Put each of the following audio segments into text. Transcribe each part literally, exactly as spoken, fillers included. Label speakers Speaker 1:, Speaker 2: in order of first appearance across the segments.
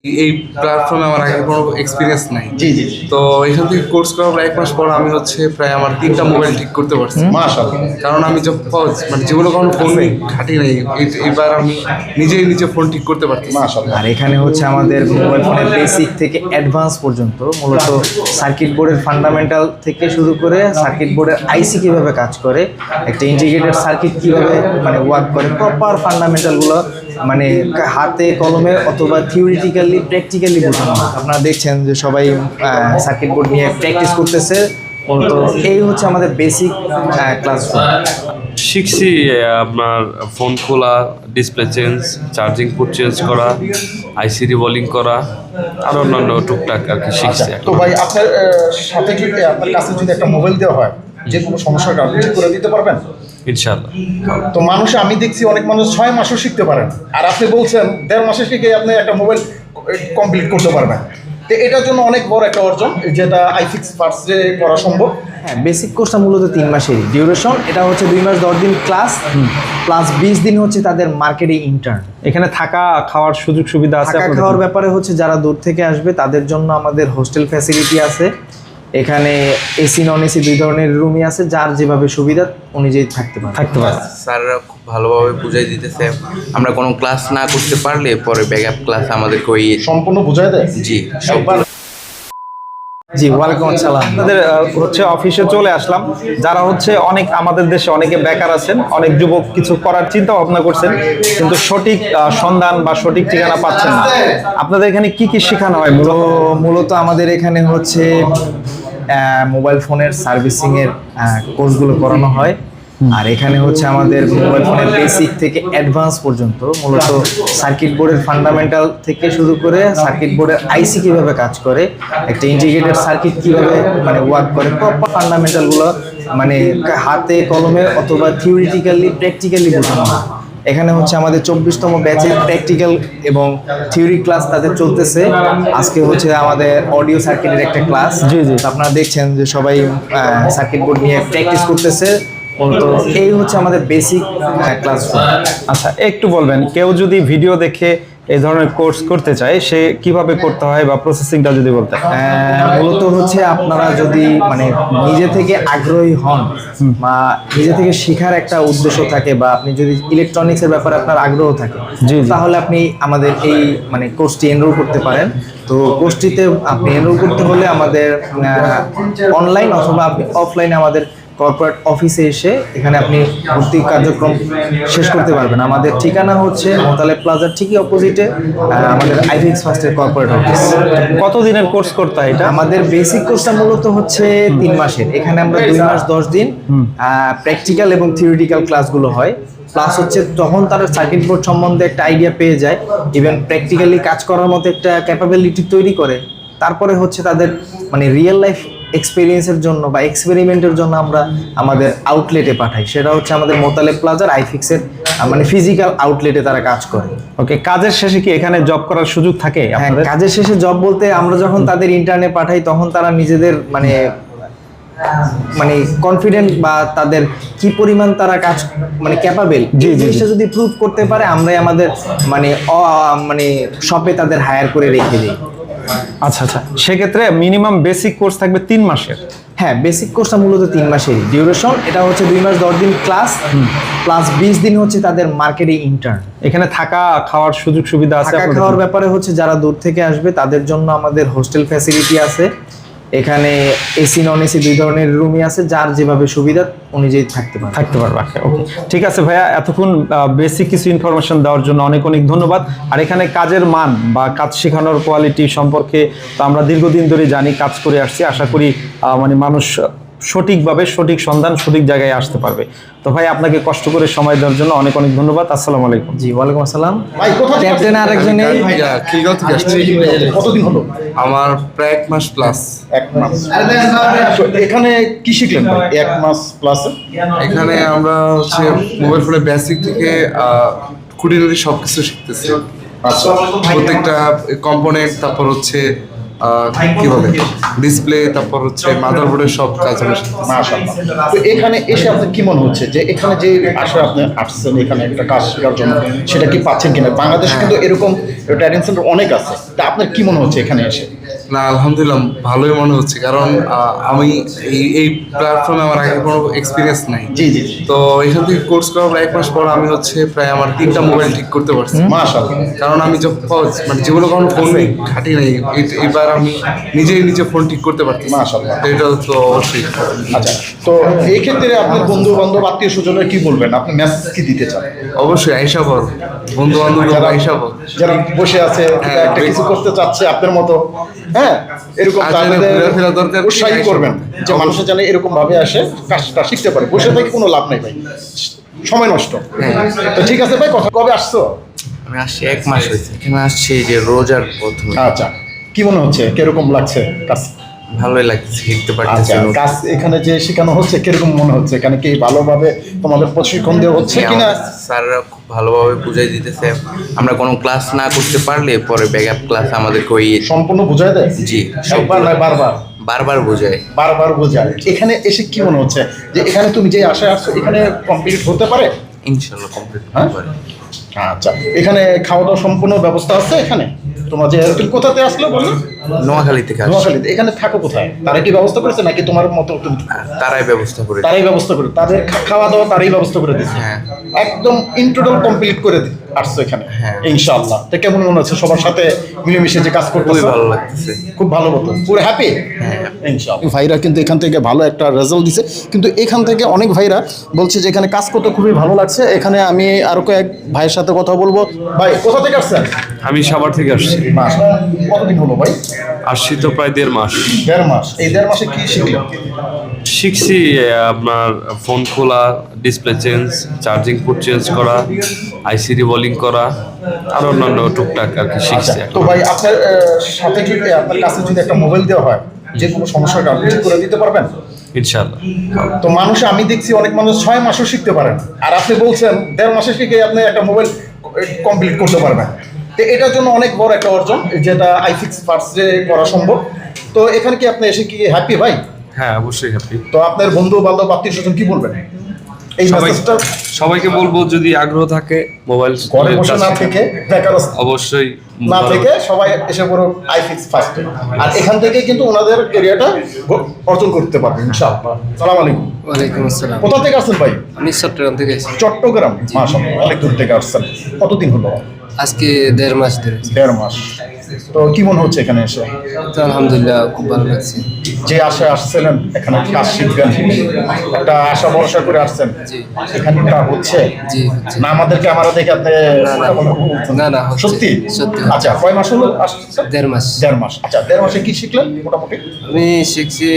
Speaker 1: এই প্ল্যাটফর্মে আমার আগে কোনো এক্সপিরিয়েন্স নাই।
Speaker 2: জি জি
Speaker 1: তো এখান থেকে কোর্স করার পর এক মাস পর আমি হচ্ছে প্রায় আমার তিনটা মোবাইল ঠিক করতে পারছি।
Speaker 2: মাশাআল্লাহ।
Speaker 1: কারণ আমি যখন মানে যেগুলো কোনো ফোন ঘাটি নাই, এই- এবার আমি নিজেই নিজে ফোন ঠিক করতে পারছি।
Speaker 2: মাশাআল্লাহ।
Speaker 3: আর এখানে হচ্ছে আমাদের মোবাইল ফোনের বেসিক থেকে অ্যাডভান্স পর্যন্ত মূলত সার্কিট বোর্ডের ফান্ডামেন্টাল থেকে শুরু করে সার্কিট বোর্ডের আইসি কিভাবে কাজ করে, একটা ইন্টিগ্রেটেড সার্কিট কিভাবে মানে ওয়ার্ক করে, প্রপার ফান্ডামেন্টালগুলো মানে হাতে কলমে অথবা থিওরিটিক্যালি প্র্যাকটিক্যালি বোঝানো হয়। আপনারা দেখছেন যে সবাই সার্কিট বোর্ড নিয়ে প্র্যাকটিস করতেছে। মূলত এই হচ্ছে আমাদের বেসিক ক্লাসরুম।
Speaker 4: শিখছি আপনার ফোন খোলা, display change, charging port change করা, আইসি রিভলিং করা আর অন্যান্য টুকটাক আর কি শিখছি।
Speaker 2: তো ভাই আপনার আহ, সাথে যদি আপনার কাছে যদি একটা মোবাইল দেওয়া হয়, যে কোনো সমস্যার কারণে ঠিক করে দিতে পারবেন?
Speaker 4: ইনশাআল্লাহ।
Speaker 2: তো মানুষ, আমি দেখছি অনেক মানুষ ছয় মাসও শিখতে পারেন, আর আপনি বলছেন দেড় মাসে শিখে আপনি একটা মোবাইল কমপ্লিট করতে পারবেন। তো এটার জন্য অনেক বড় একটা অর্জন, যেটা আইফিক্স ফার্স্টে করা সম্ভব।
Speaker 3: হ্যাঁ, বেসিক কোর্সটা মূলত তিন মাসেরই ডিউরেশন। এটা হচ্ছে দুই মাস দশ দিন ক্লাস প্লাস বিশ দিন হচ্ছে তাদের মার্কেটে ইন্টার্ন।
Speaker 5: এখানে থাকা খাওয়ার সুযোগ সুবিধা আছে?
Speaker 3: থাকা
Speaker 5: আপনাদের?
Speaker 3: খাওয়ার ব্যাপারে হচ্ছে যারা দূর থেকে আসবে তাদের জন্য আমাদের হোস্টেল ফ্যাসিলিটি আছে। এখানে এসি নন এসি দুই ধরনের রুমই আছে, যার যেভাবে সুবিধা অনুযায়ী থাকতে পারে
Speaker 5: থাকতে পারে।
Speaker 6: স্যাররা খুব ভালোভাবে বুঝাই দিতেছে। আমরা কোনো ক্লাস না করতে পারলে পরে ব্যাকআপ ক্লাস আমাদেরকে ওই
Speaker 2: সম্পূর্ণ বোঝায় দেয়।
Speaker 6: জি
Speaker 2: একবার
Speaker 3: জি, ওয়ালাইকুম আসসালাম।
Speaker 5: আপনাদের আহ, হচ্ছে অফিসে চলে আসলাম। যারা হচ্ছে অনেক আমাদের দেশে অনেকে বেকার আছেন, অনেক যুবক কিছু করার চিন্তা ভাবনা করছেন, কিন্তু সঠিক আহ, সন্ধান বা সঠিক ঠিকানা পাচ্ছেন না। আপনাদের এখানে কি কি শেখানো হয়?
Speaker 3: তো মূলত আমাদের এখানে হচ্ছে মোবাইল ফোনের সার্ভিসিং এর কোর্সগুলো করানো হয়। আর এখানে হচ্ছে আমাদের মোবাইল ফোনের বেসিক থেকে অ্যাডভান্স পর্যন্ত মূলত সার্কিট বোর্ডের ফান্ডামেন্টাল থেকে শুরু করে সার্কিট বোর্ডের আইসি কিভাবে কাজ করে, একটা ইন্টিগ্রেটেড সার্কিট কিভাবে মানে ওয়ার্ক করে, প্রপার ফান্ডামেন্টালগুলো মানে হাতে কলমে অথবা থিওরিটিক্যালি প্র্যাকটিক্যালি বোঝানো হয়। এখানে হচ্ছে আমাদের চব্বিশতম ব্যাচের প্র্যাকটিক্যাল এবং থিওরি ক্লাস তাদের চলতেছে। আজকে হচ্ছে আমাদের অডিও সার্কিটের একটা ক্লাস।
Speaker 5: জি, জি।
Speaker 3: আপনারা দেখছেন যে সবাই সার্কিট বোর্ড নিয়ে প্র্যাকটিস করতেছে। তো এই হচ্ছে আমাদের বেসিক ক্লাসরুম।
Speaker 5: আচ্ছা, একটু বলবেন, কেউ যদি ভিডিও দেখে এই ধরনের কোর্স করতে চায় সে কিভাবে করতে হয় বা প্রসেসিংটা যদি বলতেন?
Speaker 3: আহ, মূলত হচ্ছে আপনারা যদি মানে নিজে থেকে আগ্রহী হন বা নিজে থেকে শেখার একটা উদ্দেশ্য থাকে বা আপনি যদি ইলেকট্রনিক্সের ব্যাপারে আপনার আগ্রহ থাকে,
Speaker 5: জি, জি।
Speaker 3: তাহলে আপনি আমাদের এই মানে কোর্সটি এনরোল করতে পারেন। তো কোর্সটিতে আপনি এনরোল করতে হলে আমাদের অনলাইন অথবা আপনি অফলাইনে আমাদের কর্পোরেট অফিসে এসে এখানে আপনি ভর্তি কার্যক্রম শেষ করতে পারবেন। আমাদের ঠিকানা হচ্ছে মোতালেব প্লাজার ঠিকই অপোজিটে আমাদের আইফিক্স ফার্স্টের কর্পোরেট অফিস।
Speaker 5: কত দিনের কোর্স করতে হয় এটা?
Speaker 3: আমাদের বেসিক কোর্সটা মূলত হচ্ছে তিন মাসের। এখানে আমরা দুই মাস দশ দিন প্র্যাকটিক্যাল এবং থিওরিটিক্যাল ক্লাসগুলো হয়। প্লাস হচ্ছে তখন তারা সার্কিট বোর্ড সম্বন্ধে একটা আইডিয়া পেয়ে যায়, ইভেন প্র্যাকটিক্যালি কাজ করার মতো একটা ক্যাপাবিলিটি তৈরি করে। তারপরে হচ্ছে তাদের মানে রিয়েল লাইফ এক্সপিরিয়েন্সের জন্য বা এক্সপেরিমেন্টের জন্য আমরা আমাদের আউটলেটে পাঠাই। সেটা হচ্ছে আমাদের মোতালেব প্লাজার আইফিক্সের মানে ফিজিক্যাল আউটলেটে তারা কাজ করে।
Speaker 5: ওকে, কাজের শেষে কি এখানে জব করার সুযোগ থাকে
Speaker 3: হ্যাঁ,
Speaker 5: আপনাদের?
Speaker 3: কাজের শেষে জব বলতে আমরা যখন তাদের ইন্টার্নে পাঠাই তখন তারা নিজেদের মানে মানে কনফিডেন্ট বা তাদের কি পরিমাণ তারা কাজ মানে ক্যাপাবেল,
Speaker 5: জি, জি,
Speaker 3: জিনিসটা যদি প্রুভ করতে পারে আমরাই আমাদের মানে অ- মানে শপে তাদের হায়ার করে রেখে দিই।
Speaker 5: আচ্ছা আচ্ছা, সেক্ষেত্রে মিনিমাম বেসিক কোর্স থাকবে তিন মাসের?
Speaker 3: হ্যাঁ, বেসিক কোর্সটা মূলত তিন মাসেরই ডিউরেশন। এটা হচ্ছে দুই মাস দশ দিন ক্লাস প্লাস বিশ দিন হচ্ছে তাদের মার্কেটে ইন্টার্ন।
Speaker 5: এখানে থাকা খাওয়ার সুযোগ সুবিধা আছে?
Speaker 3: থাকা
Speaker 5: আপনাদের?
Speaker 3: খাওয়ার ব্যাপারে হচ্ছে যারা দূর থেকে আসবে তাদের জন্য আমাদের হোস্টেল ফ্যাসিলিটি আছে। এখানে এসি নন এসি দুই ধরনের রুমই আছে, যার যেভাবে সুবিধা অনুযায়ী থাকতে পারে
Speaker 5: থাকতে পারবে। ওকে, ঠিক আছে ভাইয়া, এতক্ষণ বেসিক কিছু ইনফরমেশন দেওয়ার জন্য অনেক অনেক ধন্যবাদ। আর এখানে কাজের মান বা কাজ শেখানোর কোয়ালিটি সম্পর্কে তো আমরা দীর্ঘদিন ধরে জানি, কাজ করে আসছি। আশা করি আহ, মানে মানুষ সঠিকভাবে সঠিক সন্ধান সঠিক জায়গায় আসতে পারবে। তো ভাই, আপনাকে কষ্ট করে সময় দেওয়ার জন্য অনেক অনেক ধন্যবাদ। আসসালামু আলাইকুম।
Speaker 3: জি, ওয়ালাইকুম আসসালাম।
Speaker 2: ভাই কোথা থেকে
Speaker 3: ক্যাপ্টেন আরেকজনে
Speaker 1: ভাইয়া খিলগাঁও থেকে আসছি।
Speaker 2: কতদিন হলো?
Speaker 1: আমার প্রায় এক মাস প্লাস।
Speaker 2: এক মাস। তো এখানে কি শিখলেন ভাই এক মাস প্লাসে?
Speaker 1: এখানে আমরা হচ্ছে মোবাইল ফোনের বেসিক থেকে আহ, খুঁটিনাটি সব কিছু শিখতেছি।
Speaker 2: আচ্ছা।
Speaker 1: প্রত্যেকটা কম্পোনেন্ট, তারপর হচ্ছে আহ, কি বলে ডিসপ্লে, তারপর হচ্ছে মাদারবোর্ডের সব কাজ আমি শিখতেছি।
Speaker 2: মাশাআল্লাহ। তো এখানে এসে আপনার কি মনে হচ্ছে যে এখানে যে আসলে আপনি আসছেন এখানে একটা কাজ শেখার জন্য, সেটা কি পাচ্ছেন কিনা? বাংলাদেশে কিন্তু এরকম ট্রেনিং সেন্টার অনেক আছে, তা আপনার কি মনে হচ্ছে এখানে এসে?
Speaker 1: না, আলহামদুলিল্লাহ ভালোই মনে হচ্ছে, কারণ আহ, আমি এই এই প্ল্যাটফর্মে আমার আগে কোনো এক্সপিরিয়েন্স নাই।
Speaker 2: জি জি জি।
Speaker 1: তো এখান থেকে কোর্স করার পর এক মাস পর আমি হচ্ছে প্রায় আমার তিনটা মোবাইল ঠিক করতে পারছি।
Speaker 2: মাশাআল্লাহ।
Speaker 1: কারণ আমি যখন মানে জীবনে কখনো ফোন ঘাটি নাই, এই- এবার আমি নিজেই নিজে ফোন ঠিক করতে পারছি।
Speaker 2: মাশাআল্লাহ।
Speaker 1: তো এটা তো অবশ্যই।
Speaker 2: আচ্ছা, তো এই ক্ষেত্রে আপনার বন্ধু বান্ধব আত্মীয় স্বজনের কি বলবেন, আপনি মেসেজ কি দিতে চান?
Speaker 1: অবশ্যই আইসা বল, বন্ধু বান্ধব
Speaker 2: যারা
Speaker 1: আইসা বল।
Speaker 2: যারা বসে আছে
Speaker 1: হ্যাঁ,
Speaker 2: একটা কিছু করতে চাচ্ছে আপনার মতো, হ্যাঁ, এরকম
Speaker 1: আসলে
Speaker 2: তাদের
Speaker 1: ঘোরাফেরা দরকার,
Speaker 2: উৎসাহী করবেন যে মানুষের যেন এরকম ভাবে আসে কাজটা শিখতে পারে। বসে থেকে কোনো লাভ নাই ভাই, সময় নষ্ট। তো ঠিক আছে ভাই, কথা কবে আসছো?
Speaker 6: আমি আসছি এক মাস হয়েছে, এখানে আসছি এই যে রোজার প্রথমে।
Speaker 2: আচ্ছা, কি মনে হচ্ছে, কিরকম লাগছে কাজ?
Speaker 6: ভালোই লাগছে, শিখতে পারতেছি
Speaker 2: আচ্ছা,
Speaker 6: নতুন।
Speaker 2: কাজ এখানে যে শেখানো হচ্ছে কিরকম মনে হচ্ছে? এখানে কি ভালোভাবে তোমাদের প্রশিক্ষণ দেওয়া হচ্ছে
Speaker 6: হ্যাঁ,
Speaker 2: কিনা?
Speaker 6: আমাদের স্যাররা খুব ভালোভাবে বুঝাই দিতেছে। আমরা কোনো ক্লাস না করতে পারলে পরে ব্যাকআপ ক্লাস আমাদেরকে ওই
Speaker 2: সম্পূর্ণ বুঝায় দেয়?
Speaker 6: জি
Speaker 2: একবার নয়, বারবার
Speaker 6: বারবার বোঝায়।
Speaker 2: বারবার বোঝায়। এখানে এসে কি মনে হচ্ছে যে এখানে তুমি যে আশায় আসছো এখানে কমপ্লিট হতে পারে?
Speaker 6: ইনশাল্লাহ কমপ্লিট
Speaker 2: হ্যাঁ?
Speaker 6: করতে পারে।
Speaker 2: আচ্ছা, এখানে খাওয়া দাওয়া সম্পূর্ণ ব্যবস্থা আছে এখানে? তোমার যে তুমি কোথাতে আসলে বললে?
Speaker 6: নোয়াখালী থেকে আসছি।
Speaker 2: নোয়াখালীতে। এখানে থাকো কোথায়? তারা কি ব্যবস্থা করেছে নাকি তোমার মতো তুমি?
Speaker 6: তারাই ব্যবস্থা করে।
Speaker 2: তারাই ব্যবস্থা করে, তাদের খা- খাওয়া দাওয়া তারাই ব্যবস্থা করে দিচ্ছে।
Speaker 6: হ্যাঁ।
Speaker 2: একদম ইনটোটাল কমপ্লিট করে দি- আসছো এখানে।
Speaker 6: হ্যাঁ।
Speaker 2: ইনশাআল্লাহ। তো কেমন মনে হচ্ছে সবার সাথে মিলেমিশে যে কাজ করতে?
Speaker 6: খুবই ভালো লাগতেছে।
Speaker 2: খুব ভালো মতো পুরো হ্যাপি। ইনশাআল্লাহ। ভাইরা কিন্তু এখান থেকে ভালো একটা রেজাল্ট দিছে, কিন্তু এখান থেকে অনেক ভাইরা বলছে যে এখানে কাজ করতে খুবই ভালো লাগছে। এখানে আমি আরো কয়েক ভাইয়ের সাথে কথা বলবো। ভাই, কোথা থেকে আসছেন?
Speaker 4: আমি সাভার থেকে আসছি।
Speaker 2: মাশাআল্লাহ। কতদিন হলো ভাই?
Speaker 4: আসছি তো প্রায় দেড় মাস।
Speaker 2: দেড় মাস। এই দেড় মাসে কি শিখলেন?
Speaker 4: শিখছি আহ, আপনার ফোন খোলা, display change, charging port change করা, আইসি রিবলিং করা, আর অন্যান্য টুকটাক আর কি শিখছি।
Speaker 2: তো ভাই, আপনার আহ, সাথে যদি আপনার কাছে যদি একটা মোবাইল দেওয়া হয়, যে কোনো সমস্যাটা আপনি ঠিক করে দিতে পারবেন?
Speaker 4: ইনশাআল্লাহ।
Speaker 2: তো মানুষ, আমি দেখছি অনেক মানুষ ছয় মাসও শিখতে পারেন, আর আপনি বলছেন দেড় মাসে শিখে আপনি একটা মোবাইল কমপ্লিট করতে পারবেন। তো এটার জন্য অনেক বড় একটা অর্জন, যেটা আইফিক্স ফার্স্টে করা সম্ভব। তো এখানে কি আপনি এসে কি হ্যাপি ভাই?
Speaker 4: হ্যাঁ, অবশ্যই হ্যাপি।
Speaker 2: তো আপনার বন্ধু বান্ধব আত্মীয় স্বজন কি বলবেন এই
Speaker 4: সবাই
Speaker 2: মেসেজটা?
Speaker 4: সবাইকে বলবো, যদি আগ্রহ থাকে মোবাইল
Speaker 2: ঘরে বসে না থেকে, বেকারত্ব
Speaker 4: অবশ্যই
Speaker 2: না থেকে সবাই এসে পড়ো আইফিক্স ফার্স্টে, আর এখান থেকে কিন্তু ওনাদের এরিয়াটা অর্জন করতে পারবে ইনশাআল্লাহ। সালাম আলাইকুম।
Speaker 7: ওয়ালাইকুম আসসালাম।
Speaker 2: কোথা থেকে আসছেন ভাই?
Speaker 7: আমি চট্টগ্রাম থেকে এসেছি।
Speaker 2: চট্টগ্রাম। মাশাআল্লাহ, অনেক দূর থেকে আসছেন। কতদিন হলো?
Speaker 7: আজকে দেড় মাস ধরে।
Speaker 2: দেড় মাস। তো কি মনে হচ্ছে এখানে এসে?
Speaker 7: তো আলহামদুলিল্লাহ খুব ভালো লাগছে।
Speaker 2: যে আশায় আসছিলেন এখানে কাজ শিখবেন, একটা আশা ভরসা করে আসছেন,
Speaker 7: জি
Speaker 2: এখানে তা হচ্ছে?
Speaker 7: জি হচ্ছে।
Speaker 2: না আমাদের ক্যামেরা দেখে আপনি
Speaker 7: না, না, হচ্ছে।
Speaker 2: সত্যি?
Speaker 7: সত্যি।
Speaker 2: আচ্ছা, কয় মাস হলো আসছেন?
Speaker 7: দেড় মাস।
Speaker 2: দেড় মাস। আচ্ছা, দেড় মাসে কি শিখলেন মোটামুটি?
Speaker 7: আমি শিখছি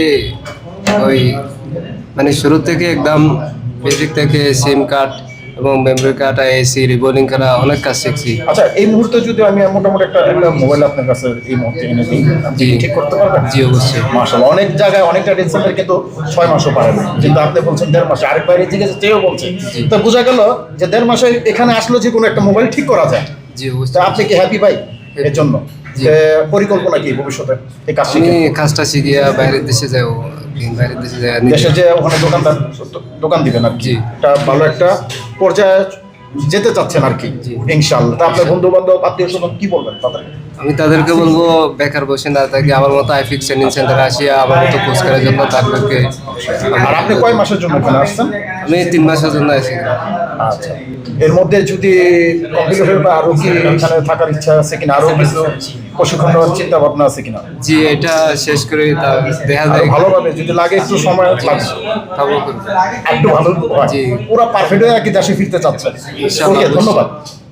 Speaker 7: ওই মানে শুরু থেকে একদম বেসিক থেকে সিম কার্ড এবং মেমোরি কার্ড, এসি রিবোলিং করা, অনেক কাজ শিখছি।
Speaker 2: আচ্ছা, এই মুহূর্তে যদি আমি মোটামুটি একটা একটা মোবাইল আপনার কাছে এই মুহূর্তে এনে দিই, আপনি কি ঠিক করতে পারবেন?
Speaker 7: জি অবশ্যই।
Speaker 2: মাশাআল্লাহ, অনেক জায়গায় অনেকটা টেনশনের কিন্তু ছয় মাসও পারে না, কিন্তু আপনি বলছেন দেড় মাসে। আরেক বাইরে জিজ্ঞেস চেয়েও বলছে, তো বোঝা গেল যে দেড় মাসে এখানে আসলে যে কোনো একটা মোবাইল ঠিক করা যায়।
Speaker 7: জি
Speaker 2: তা
Speaker 7: অবশ্যই।
Speaker 2: আপনি কি হ্যাপি ভাই এর জন্য?
Speaker 7: জি।
Speaker 2: যে পরিকল্পনা কি ভবিষ্যতে এই কাজ
Speaker 7: আমি
Speaker 2: শিখে?
Speaker 7: কাজটা শিখিয়া বাইরের দেশে যাবো, বাইরের দেশে যাই
Speaker 2: দেশে যে ওখানে দোকানদার দোকান দিবেন আর কি,
Speaker 7: জি।
Speaker 2: একটা ভালো একটা পর্যায়ে যেতে চাচ্ছেন আর কি,
Speaker 7: জি।
Speaker 2: ইনশাআল্লাহ। তা আপনার বন্ধু বান্ধব আত্মীয় স্বজন কি বলবেন তাদের?
Speaker 7: আমি তাদেরকে বলবো বেকার বসে না থাকে আমার মতো আইফিক্স ট্রেনিং সেন্টারে আসিয়া আমার মতো কোর্স করার জন্য তাদেরকে।
Speaker 2: আর আপনি কয় মাসের জন্য এখানে আসছেন?
Speaker 7: আমি তিন মাসের জন্য আছি।
Speaker 2: আচ্ছা, এর মধ্যে যদি কমপ্লিট বা আরো কি এখানে থাকার ইচ্ছা আছে কিনা, আরো কিছু প্রশিক্ষণ নেওয়ার চিন্তা ভাবনা আছে কিনা?
Speaker 7: জি, এটা শেষ করে তা দেখা
Speaker 2: আরো
Speaker 7: যায়
Speaker 2: ভালোভাবে যদি লাগে, একটু সময় লাগবে,
Speaker 7: খাবো করবো।
Speaker 2: একটু ভালো হয়,
Speaker 7: জি।
Speaker 2: পুরো পারফেক্ট হয়ে আর কি দেশে ফিরতে চাচ্ছেন।
Speaker 7: ইনশাআল্লাহ।
Speaker 2: ওকে, ধন্যবাদ।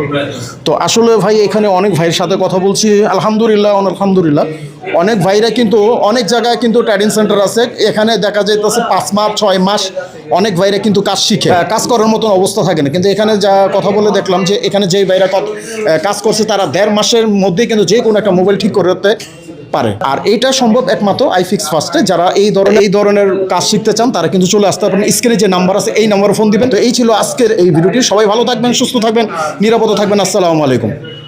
Speaker 2: তো আসলে ভাই এখানে অনেক ভাইয়ের সাথে কথা বলছি, আলহামদুলিল্লাহ আলহামদুলিল্লাহ অনেক ভাইরা কিন্তু অনেক জায়গায় কিন্তু ট্রেনিং সেন্টার আছে, এখানে দেখা যাইতেছে পাঁচ মাস ছয় মাস অনেক ভাইরা কিন্তু কাজ শিখে, কাজ করার মতন অবস্থা থাকে না। কিন্তু এখানে যা কথা বলে দেখলাম যে এখানে যেই ভাইরা কত- কাজ করছে তারা দেড় মাসের মধ্যেই কিন্তু যে কোনো একটা মোবাইল ঠিক করতে পারে। আর এইটা সম্ভব একমাত্র আইফিক্স ফার্স্টে। যারা এই ধরনের এই ধরনের কাজ শিখতে চান তারা কিন্তু চলে আসতে পারেন, স্ক্রিনে যে নাম্বার আছে এই নাম্বারে ফোন দিবেন। তো এই ছিল আজকের এই ভিডিওটি। সবাই ভালো থাকবেন, সুস্থ থাকবেন, নিরাপদে থাকবেন। আসসালামু আলাইকুম।